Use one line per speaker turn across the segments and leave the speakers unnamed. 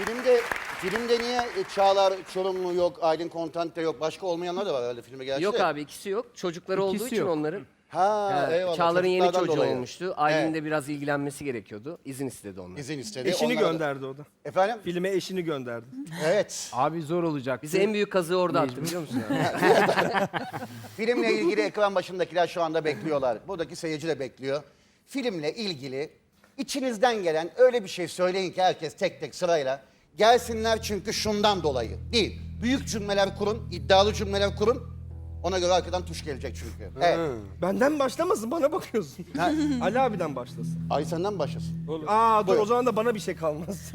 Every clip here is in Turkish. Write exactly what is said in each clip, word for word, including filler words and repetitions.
Filmde filmde niye Çağlar Çorumlu yok, Aylin Kontant da yok, başka olmayanlar da var herhalde filme gerçi.
Yok
de.
abi ikisi yok. Çocukları olduğu
İkisi
için
yok.
onların.
Ha,
Ee,
eyvallah.
Çağlar'ın yeni
çocuklardan
çocuğu
dolayı.
olmuştu. Ailenin
Evet.
de biraz ilgilenmesi gerekiyordu. İzin istedi onlar.
İzin istedi.
Eşini
Onlara da-
gönderdi o da.
Efendim?
Filme eşini gönderdi.
Evet.
Abi zor olacak.
Bize en büyük kazığı orada attı biliyor musun? Yani?
Filmle ilgili ekran başındakiler şu anda bekliyorlar. Buradaki seyirci de bekliyor. Filmle ilgili içinizden gelen öyle bir şey söyleyin ki herkes tek tek sırayla gelsinler çünkü şundan dolayı. Bir, büyük cümleler kurun, iddialı cümleler kurun. Ona göre arkadan tuş gelecek çünkü. Evet.
Benden başlamasın, bana bakıyorsun. Ali abiden başlasın.
Ay senden başlasın.
Aa dur
Buyur.
o zaman da bana bir şey kalmaz.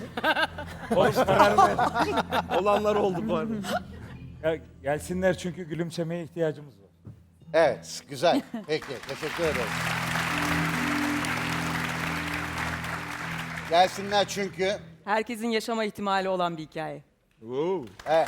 Olanlar oldu bu arada.
Ya gelsinler çünkü gülümsemeye ihtiyacımız var.
Evet, güzel. Peki, teşekkür ederim. Gelsinler çünkü.
Herkesin yaşama ihtimali olan bir hikaye.
Evet.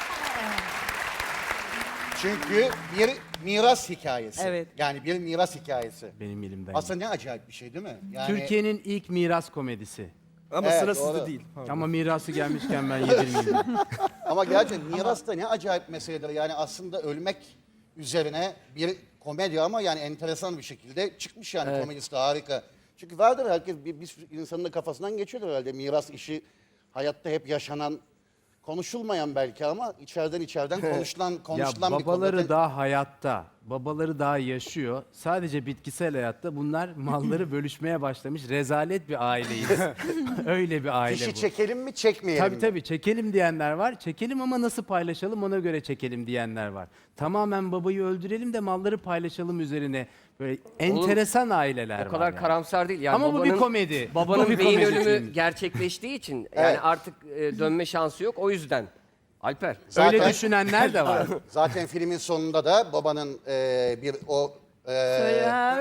Çünkü bir miras hikayesi.
Evet.
Yani bir miras hikayesi.
Benim elimden.
Aslında ne acayip bir şey değil mi? Yani
Türkiye'nin ilk miras komedisi.
Ama
Evet,
sıra
doğru.
sizde değil. Pardon.
Ama mirası gelmişken ben yedirmeyeyim.
ama gerçekten miras da ne acayip meseledir. Yani aslında ölmek üzerine bir komedi ama yani enteresan bir şekilde çıkmış yani komedisi de harika. Çünkü vardır herkes bir, bir sürü insanın da kafasından geçiyordur herhalde miras işi hayatta hep yaşanan konuşulmayan belki ama içeriden içeriden konuşulan
Ya
konuşulan bir
babaları
konu.
daha hayatta, babaları daha yaşıyor. Sadece bitkisel hayatta bunlar malları bölüşmeye başlamış. Rezalet bir aileyiz. Öyle bir aile
Fişi
bu.
çekelim mi çekmeyelim
Tabii
mi?
tabii çekelim diyenler var. Çekelim ama nasıl paylaşalım ona göre çekelim diyenler var. Tamamen babayı öldürelim de malları paylaşalım üzerine böyle enteresan aileler
O kadar
var. yani.
karamsar değil. Yani
Ama bu bir
babanın-
komedi.
Babanın
Bu bir
beyin
komedi
ölümü
filmi.
gerçekleştiği için yani
Evet.
artık e, dönme şansı yok. O yüzden. Alper.
Zaten-
Öyle düşünenler de var.
Zaten filmin sonunda da babanın e, bir o e,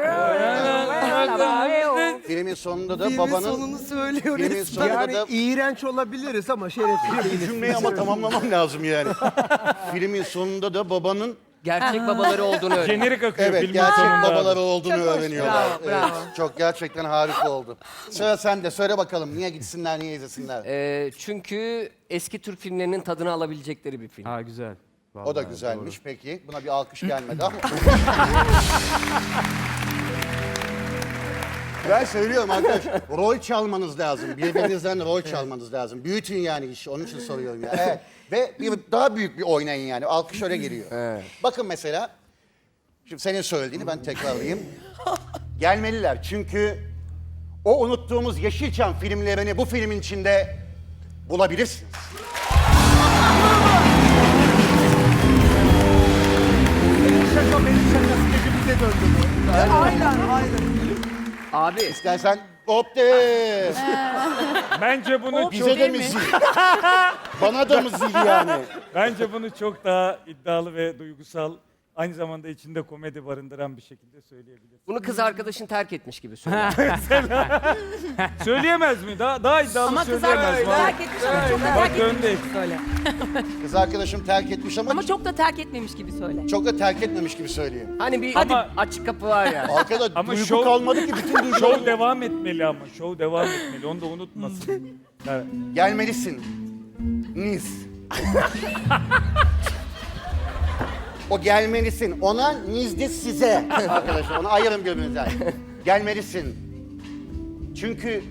filmin sonunda da babanın
sonunu söylüyor
filmin
resmen.
sonunda
Yani
da
iğrenç olabiliriz ama şerefli değiliz.
cümleyi ama tamamlamam lazım yani. Filmin sonunda da babanın
Gerçek babaları olduğunu öğren.
Jenerik akıyor
evet
filmin
gerçek
sonunda.
babaları olduğunu öğreniyorlar.
Bravo, bravo.
Evet, çok gerçekten harika oldu. Sıra sende. Söyle bakalım niye gitsinler, niye izlesinler?
E, çünkü eski Türk filmlerinin tadını alabilecekleri bir film.
Ha güzel.
O da
Vallahi
güzelmiş. Peki. Buna bir alkış gelmedi ama. Ben söylüyorum arkadaş. Rol çalmanız lazım. Birbirinizden rol çalmanız lazım. Büyütün yani işi. Onun için soruyorum ya. Evet. Ve bir daha büyük bir oynayın yani. Alkış öyle geliyor. Bakın mesela. Şimdi senin söylediğini ben tekrarlayayım. Gelmeliler. Çünkü o unuttuğumuz Yeşilçam filmlerini bu filmin içinde bulabilirsiniz.
Şaka benim şakası gecemize döndü bu.
Aynen, aynen.
Abi
İstersen hop de.
Bence bunu
Bize de müziği. Bana da müziği yani.
bence bunu çok daha iddialı ve duygusal, aynı zamanda içinde komedi barındıran bir şekilde söyleyebiliriz.
bunu kız arkadaşın terk etmiş gibi söylüyor.
Söyleyemez mi? Daha daha iddialı
Ama kız
söyleyemez mi?
terk etmiş ama çok da
Bak
terk
döndü.
etmemiş gibi söyle.
Kız arkadaşım terk etmiş ama,
Ama çok da terk etmemiş gibi söyle.
çok da terk etmemiş gibi söyleyeyim.
Hani bir
Ama-
açık kapı var ya.
Arkada
Ama
duygu
şov-
kalmadı ki bütün duygu.
Şov devam etmeli ama. Şov devam etmeli. Onu da unutmasın. Evet.
Gelmelisin. Niz. O gelmelisin. Ona nizdi size. Arkadaşlar onu ayırın birbirinizden. Gelmelisin. Çünkü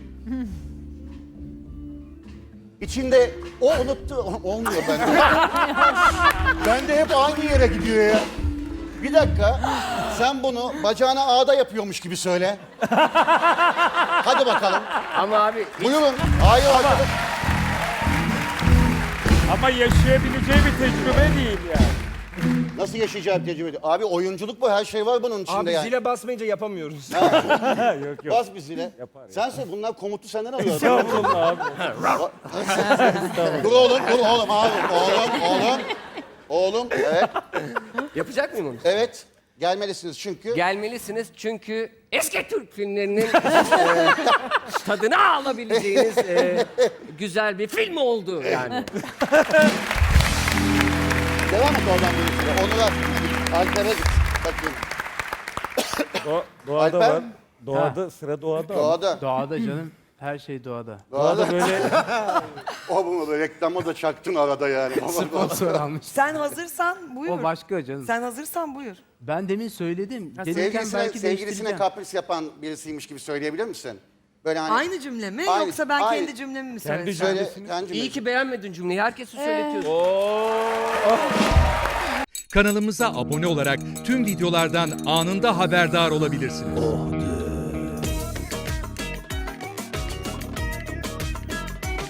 içinde o unuttu. Olmuyor bende. Bende hep aynı yere gidiyor ya. Bir dakika. Sen bunu bacağına ağda yapıyormuş gibi söyle. Hadi bakalım.
Ama abi
Buyurun. Hayır arkadaş.
Ama yaşayabileceği bir tecrübe değil yani.
Nasıl yaşayacağım tecrübe ediyor? Abi oyunculuk bu. Her şey var bunun içinde
Abi
yani.
zile basmayınca yapamıyoruz.
yok yok.
Bas bir zile. Sen söyle bunlar komutu senden alıyor.
Estağfurullah abi.
dur oğlum, dur oğlum abi. Oğlum, oğlum. Oğlum, evet.
yapacak mıyım onu?
Evet. Gelmelisiniz çünkü.
Gelmelisiniz çünkü eski Türk filmlerinin e, tadını alabileceğiniz e, güzel bir film oldu yani.
Devam et oradan bir süre. Onu da Alper'e git. Bakayım.
Do- doğada
Alper?
var. Doğada, sıra doğada. ama.
Doğada.
Doğada canım. Her şey doğada.
Doğada
Böyle
o bunu da reklama da çaktın arada yani.
Sponsor almış.
Sen hazırsan buyur.
O başka canım.
Sen hazırsan buyur.
Ben demin söyledim.
Ha,
Gelirken
Sevgilisine,
belki
sevgilisine
değiştireceğim.
kapris yapan birisiymiş gibi söyleyebilir misin? Böyle hani
Aynı cümle mi
Aynı-
yoksa ben
aynı.
kendi cümlemi mi
Kendi
söylesem?
cümle-
söyle
cümlesini-
kendi
İyi ki beğenmedin cümleyi. Herkesi söyletiyorsun.
Kanalımıza abone olarak tüm videolardan anında haberdar olabilirsiniz.